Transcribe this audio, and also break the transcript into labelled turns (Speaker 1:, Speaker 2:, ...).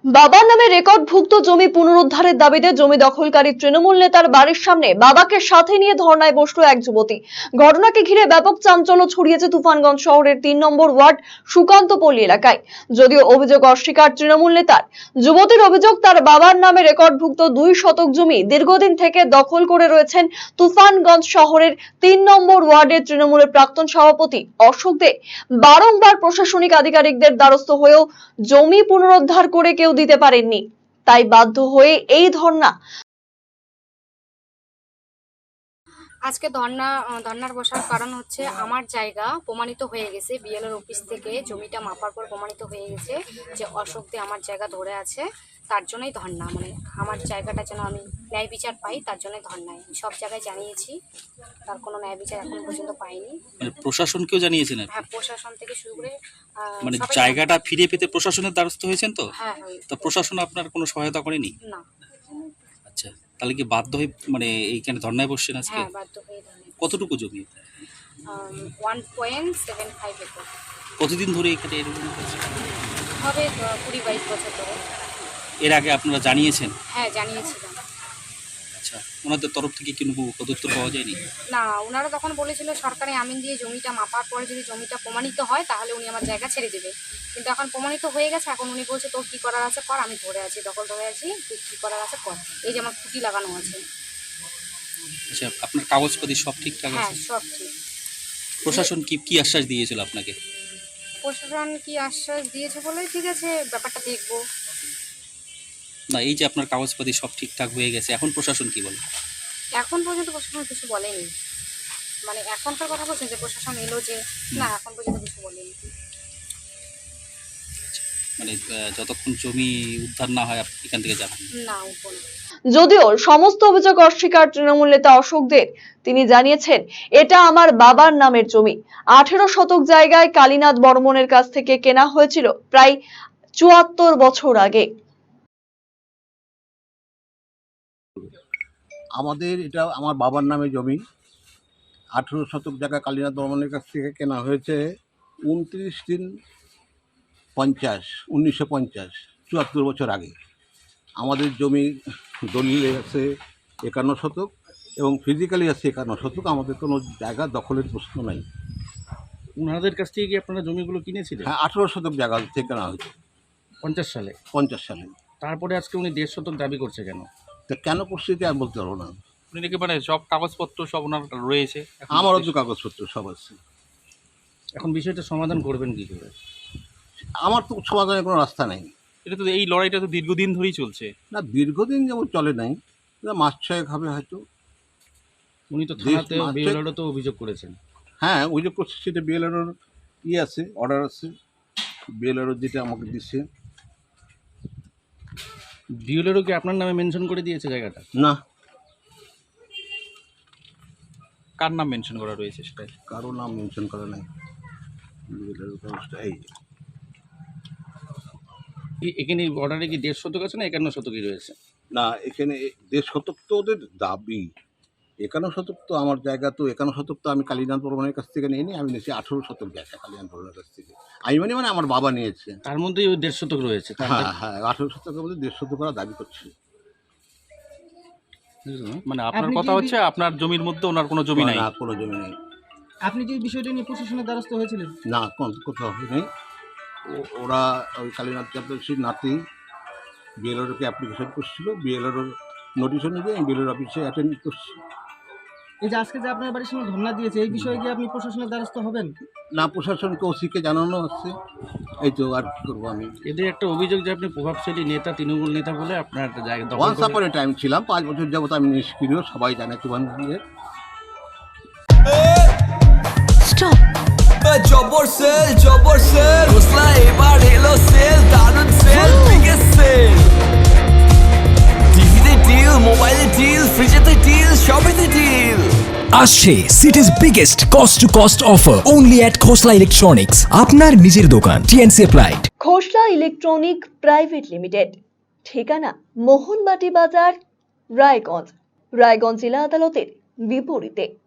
Speaker 1: বাবার নামে রেকর্ডভুক্ত জমি পুনরুদ্ধারের দাবিতে জমি দখলকারী তৃণমূল নেতার বাড়ির সামনে বাবাকে সাথে নিয়ে ধর্নায় বসল এক যুবতী। ঘটনাকে ঘিরে ব্যাপক চাঞ্চল্য ছড়িয়েছে তুফানগঞ্জ শহরের ৩ নম্বর ওয়ার্ড সুকান্তপল্লী এলাকায়। যদিও অভিযোগ অস্বীকার তৃণমূল নেতার, যুবতীর অভিযোগ তার বাবার নামে রেকর্ডভুক্ত ২ শতক জমি দীর্ঘদিন থেকে দখল করে রয়েছেন তুফানগঞ্জ শহরের ৩ নম্বর ওয়ার্ডের তৃণমূলের প্রাক্তন সভাপতি অশোক দে। বারংবার প্রশাসনিক আধিকারিকদের দ্বারস্থ হয়েও জমি পুনরুদ্ধার করে কেউ দিতে পারেননি, তাই বাধ্য হয়ে এই ধর্ণা।
Speaker 2: আজকে ধর্নার বসার কারণ হচ্ছে আমার জায়গা প্রমাণিত হয়ে গেছে, বিএলওর অফিস থেকে জমিটা মাপার পর প্রমাণিত হয়ে গেছে যে অশোক দে আমার জায়গা ধরে আছে। তার জন্যই ধর্না, মানে আমার জায়গাটা যেন আমি ন্যায় বিচার পাই, তার জন্যই ধর্নায় সব জায়গায় জানিয়েছি। তার কোনো ন্যায় বিচার এখন পর্যন্ত পাইনি।
Speaker 3: মানে প্রশাসনকেও জানিয়েছেন?
Speaker 2: হ্যাঁ, প্রশাসন থেকে শুরু করে
Speaker 3: মানে জায়গাটা ফিরে পেতে প্রশাসনের দ্বারস্থ হয়েছেন তো?
Speaker 2: হ্যাঁ।
Speaker 3: তো প্রশাসন আপনার কোনো সহায়তা করেনি?
Speaker 2: না।
Speaker 3: আচ্ছা, তাহলে কি বাধ্য হয়ে মানে এইখানে ধর্নায় বসছেন আজকে?
Speaker 2: হ্যাঁ, বাধ্য হয়ে ধর্নায়।
Speaker 3: কতটুকু জমি?
Speaker 2: 1.75 একর।
Speaker 3: কতদিন ধরে এখানে এরকম হচ্ছে?
Speaker 2: হবে 20-22 বছর ধরে।
Speaker 3: এর আগে আপনারা জানিয়েছেন?
Speaker 2: হ্যাঁ, জানিয়েছিলাম।
Speaker 3: আচ্ছা, ওনাদের তরফ থেকে কোনো পদক্ষেপ পাওয়া যায়নি?
Speaker 2: না, ওনারা তখন বলেছিল সরকারি আমিন দিয়ে জমিটা মাপার পরে যদি জমিটা প্রমাণিত হয় তাহলে উনি আমার জায়গা ছেড়ে দেবে। কিন্তু এখন প্রমাণিত হয়ে গেছে, এখন উনি বলছে তোর কী করার আছে কর, আমি ধরে আছি, দখল ধরে আছি, তুই কী করার আছে কর। এই যে আমার খুঁটি লাগানো আছে।
Speaker 3: আচ্ছা, আপনার কাগজপাতি সব ঠিকঠাক
Speaker 2: হ্যাঁ,
Speaker 3: আছে?
Speaker 2: সব ঠিক।
Speaker 3: প্রশাসন কি আশ্বাস দিয়েছিল আপনাকে?
Speaker 2: প্রশাসন কি আশ্বাস দিয়েছে বলে ঠিক আছে, ব্যাপারটা দেখবো।
Speaker 3: না, এই যে আপনার কাগজপাতি সব ঠিকঠাক হয়ে গেছে, এখন প্রশাসন কি বলে?
Speaker 2: এখন পর্যন্ত প্রশাসন কিছু বলেনি। মানে এখনকার কথা বলছেন যে প্রশাসন এলো যে, না এখন পর্যন্ত কিছু বলেনি।
Speaker 3: মানে যতক্ষণ জমি উদ্ধার না হয় আপনি এখান থেকে যাবেন
Speaker 2: না, উঠবো না।
Speaker 1: যদিও সমস্ত অভিযোগ অস্বীকার তৃণমূল নেতা অশোক দের, তিনি জানিয়েছেন এটা আমার বাবার নামের জমি। 18 শতক জায়গায় কালীনাথ বর্মনের কাছ থেকে কেনা হয়েছিল প্রায় 74 বছর আগে।
Speaker 4: আমাদের এটা আমার বাবার নামে জমি। 18 শতক জায়গা কালীনাথ বর্মনের কাছ থেকে কেনা হয়েছে 1950 74 বছর আগে। আমাদের জমি দলিলে আছে 51 শতক এবং ফিজিক্যালি আছে 51 শতক। আমাদের কোনো জায়গা দখলের প্রশ্ন নাই।
Speaker 5: ওনাদের কাছ থেকে কি আপনারা জমিগুলো কিনেছিলেন?
Speaker 4: হ্যাঁ, 18 শতক জায়গা থেকে কেনা হয়েছে
Speaker 5: 50 সালে।
Speaker 4: 50 সালে।
Speaker 5: তারপরে আজকে উনি 1.5 শতক দাবি করছে কেন?
Speaker 4: তা কেন করছে এটা আমি বলতে পারবো না।
Speaker 3: উনি নাকি মানে সব কাগজপত্র সব ওনার রয়েছে?
Speaker 4: আমারও তো কাগজপত্র সব আছে।
Speaker 5: এখন বিষয়টা সমাধান করবেন কি করে?
Speaker 4: আমার তো সমাধানের কোনো রাস্তা নেই।
Speaker 3: এটা তো এই লড়াইটা তো দীর্ঘদিন ধরেই চলছে।
Speaker 4: না, দীর্ঘদিন যেমন চলে নাই, মাস ছয়েক হবে হয়তো।
Speaker 5: উনি তো থানাতে বিএলওরও তো অভিযোগ করেছেন।
Speaker 4: হ্যাঁ, অভিযোগ করছে, সেটা বিএলআরওর আছে, অর্ডার আছে। বিএলআরও যেটা আমাকে দিচ্ছে।
Speaker 5: বিএলওরও কি আপনার নামে মেনশন করে দিয়েছে জায়গাটা?
Speaker 4: না,
Speaker 3: কার নাম মেনশন করা রয়েছে সেটাই?
Speaker 4: কারো নাম মেনশন করা নাই। বিএলআরও কাগজটা এই।
Speaker 5: এখানে অর্ডারে কি 1.5 শতক আছে না 51 শতকই রয়েছে?
Speaker 4: না, এখানে 1.5 শতক তো ওদের দাবি। 51 শতক তো আমার জায়গা, তো 51 শতক তো আমি কালীনাথ বর্মনের কাছ থেকে নিয়ে আমি নিয়েছি 18 শতক জায়গা কালীনাথ বর্মনের কাছ থেকে। আমি মানে আমার বাবা নিয়েছে।
Speaker 5: তার মধ্যেই ওই 1.5 শতক রয়েছে।
Speaker 4: হ্যাঁ, 18 শতকের মধ্যে 1.5 শতক করা দাবি করছে।
Speaker 3: মানে আপনার কথা হচ্ছে আপনার জমির মধ্যে ওনার কোনো জমি নাই?
Speaker 4: না, কোনো জমি নেই।
Speaker 6: আপনি কি বিষয়টা নিয়ে প্রশাসনের দ্বারস্থ হয়েছিলেন?
Speaker 4: না, কোথাও নেই। ওরা ওই কালীনাথ চক্রবর্তীর নাতি বিএলআরওকে অ্যাপ্লিকেশন করছিল, বিএলআরওর নোটিশ অনুযায়ী আমি বিএলআর অফিসে অ্যাটেন্ড করছি।
Speaker 6: এই যে আজকে যে আপনার বাড়ির সামনে ধর্ণা দিয়েছে, এই বিষয়ে কি আপনি প্রশাসনের দ্বারস্থ হবেন?
Speaker 4: না, প্রশাসনকে ওসিকে জানানো হচ্ছে। এই তো, আর কী করবো আমি।
Speaker 5: এদের একটা অভিযোগ যে আপনি প্রভাবশালী নেতা, তৃণমূল নেতা বলে আপনার জায়গা দখল
Speaker 4: ওয়ান্স আপন এ টাইম ছিলাম, 5 বছর যাবত আমি নিষ্ক্রিয়, সবাই জানে তুফানগঞ্জের।
Speaker 7: স্টপ। জবর সেল হোসলা এবার এলো সেল, দারুন সেল, বিগেস্ট সেল। টিভিতে ডিল, মোবাইলে ডিল, ফ্রিজেতে ডিল, সবেতে ডিল
Speaker 8: আসছে city's biggest cost to cost offer only at Khosla electronics, আপনার নিজের দোকান, TNC applied.
Speaker 1: Khosla electronic private limited, ঠিকানা মোহনবাটি বাজার, রায়গঞ্জ জেলা আদালতের বিপরীতে।